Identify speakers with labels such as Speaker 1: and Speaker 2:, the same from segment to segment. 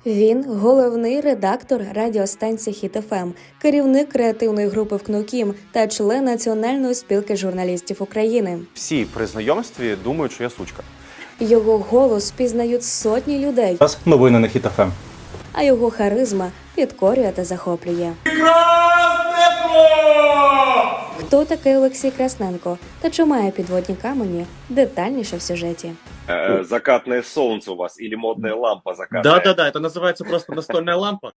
Speaker 1: Він – головний редактор радіостанції «Хіт ФМ», керівник креативної групи «ВКНУКІМ» та член Національної спілки журналістів України.
Speaker 2: Всі при знайомстві думають, що я сучка.
Speaker 1: Його голос пізнають сотні людей,
Speaker 3: Новини на Хіт ФМ.
Speaker 1: а його харизма підкорює та захоплює. Хто такий Олексій Красненко та чи має підводні камені? Детальніше в сюжеті.
Speaker 4: Закатное солнце у вас или модная лампа закатная?
Speaker 5: Да-да-да, это называется просто настольная лампа.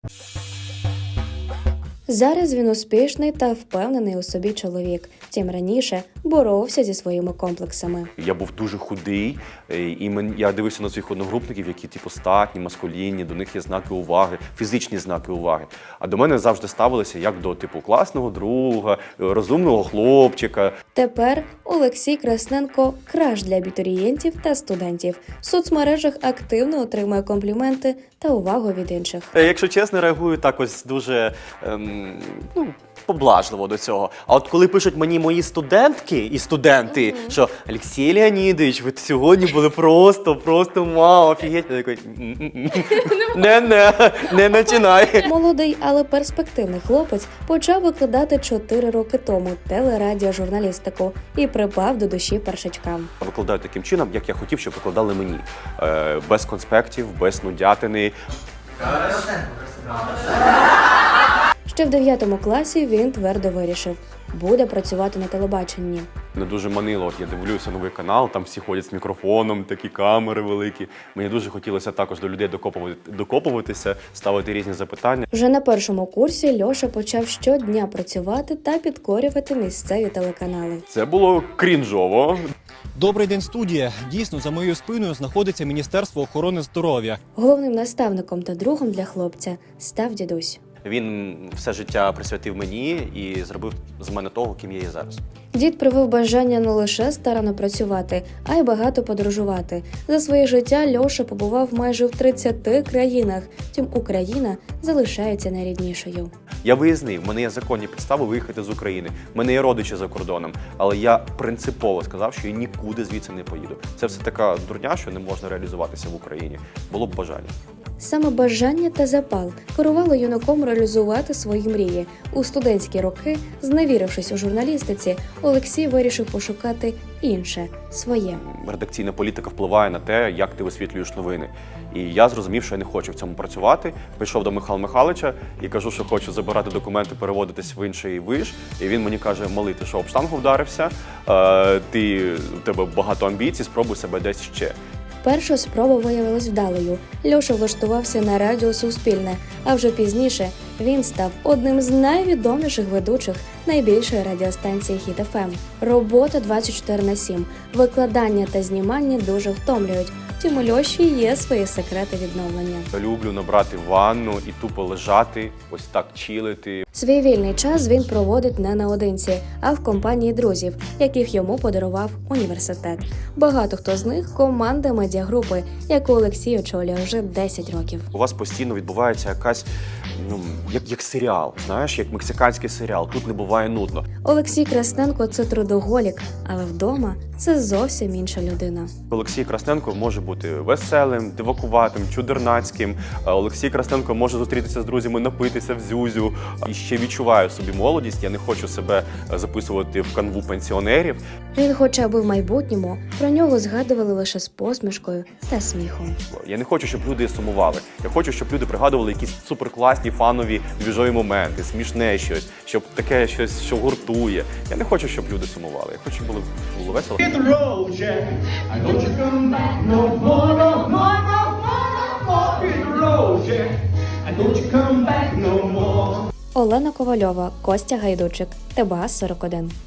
Speaker 1: Зараз він успішний та впевнений у собі чоловік. Втім, раніше боровся зі своїми комплексами.
Speaker 2: Я був дуже худий, і я дивився на своїх одногрупників, які статні, маскулінні, до них є знаки уваги, фізичні знаки уваги. А до мене завжди ставилися як до класного друга, розумного хлопчика.
Speaker 1: Тепер Олексій Красненко – краш для абітурієнтів та студентів. В соцмережах активно отримує компліменти та увагу від інших.
Speaker 2: Якщо чесно, реагую так ось дуже поблажливо до цього. А от коли пишуть мені мої студентки і студенти, що Олексій Леонідович, ви сьогодні були просто вау, офігеть. Я такий, не починай.
Speaker 1: Молодий, але перспективний хлопець почав викладати 4 роки тому телерадіожурналістику і припав до душі першачкам.
Speaker 2: Викладаю таким чином, як я хотів, щоб викладали мені. Без конспектів, без нудятини.
Speaker 1: Ще в 9 класі він твердо вирішив – буде працювати на телебаченні.
Speaker 2: Не дуже манило, от я дивлюся новий канал, там всі ходять з мікрофоном, такі камери великі. Мені дуже хотілося також до людей докопуватися, ставити різні запитання.
Speaker 1: Вже на першому курсі Льоша почав щодня працювати та підкорювати місцеві телеканали.
Speaker 2: Це було крінжово.
Speaker 6: Добрий день, студія. Дійсно, за моєю спиною знаходиться Міністерство охорони здоров'я.
Speaker 1: Головним наставником та другом для хлопця став дідусь.
Speaker 2: Він все життя присвятив мені і зробив з мене того, ким я є зараз.
Speaker 1: Дід привив бажання не лише старанно працювати, а й багато подорожувати. За своє життя Льоша побував майже в 30 країнах, втім Україна залишається найріднішою.
Speaker 2: Я виїзний, в мене є законні підстави виїхати з України, в мене є родичі за кордоном, але я принципово сказав, що я нікуди звідси не поїду. Це все така дурня, що не можна реалізуватися в Україні. Було б бажання.
Speaker 1: Саме бажання та запал керувало юнаком реалізувати свої мрії. У студентські роки, зневірившись у журналістиці, Олексій вирішив пошукати інше, своє.
Speaker 2: Редакційна політика впливає на те, як ти висвітлюєш новини. І я зрозумів, що я не хочу в цьому працювати. Прийшов до Михайла Михайловича і кажу, що хочу забирати документи, переводитись в інший виш. І він мені каже: малий, ти що, об штангу вдарився? У тебе багато амбіцій, спробуй себе десь ще.
Speaker 1: Перша спроба виявилась вдалою. Льоша влаштувався на радіо «Суспільне», а вже пізніше він став одним з найвідоміших ведучих найбільшої радіостанції «Хіт ФМ». Робота 24/7, викладання та знімання дуже втомлюють. Втім, у Льоші є свої секрети відновлення.
Speaker 2: Я люблю набрати ванну і тупо лежати, ось так чилити.
Speaker 1: Свій вільний час він проводить не наодинці, а в компанії друзів, яких йому подарував університет. Багато хто з них – команда медіагрупи, яку Олексій очолює вже 10 років.
Speaker 2: У вас постійно відбувається якась, як серіал, знаєш, як мексиканський серіал. Тут не буває нудно.
Speaker 1: Олексій Красненко – це трудоголік, але вдома – це зовсім інша людина.
Speaker 2: Олексій Красненко може бути веселим, дивакуватим, чудернацьким. Олексій Красненко може зустрітися з друзями, напитися в зюзю. І ще відчуваю собі молодість, я не хочу себе записувати в канву пенсіонерів.
Speaker 1: Він хоче, аби в майбутньому про нього згадували лише з посмішкою та сміхом.
Speaker 2: Я не хочу, щоб люди сумували. Я хочу, щоб люди пригадували якісь суперкласні, фанові, двіжові моменти, смішне щось, щоб таке щось, що гуртує. Я не хочу, щоб люди сумували. Я хочу, щоб було весело.
Speaker 1: Олена Ковальова, Костя Гайдучик, ТБА 41.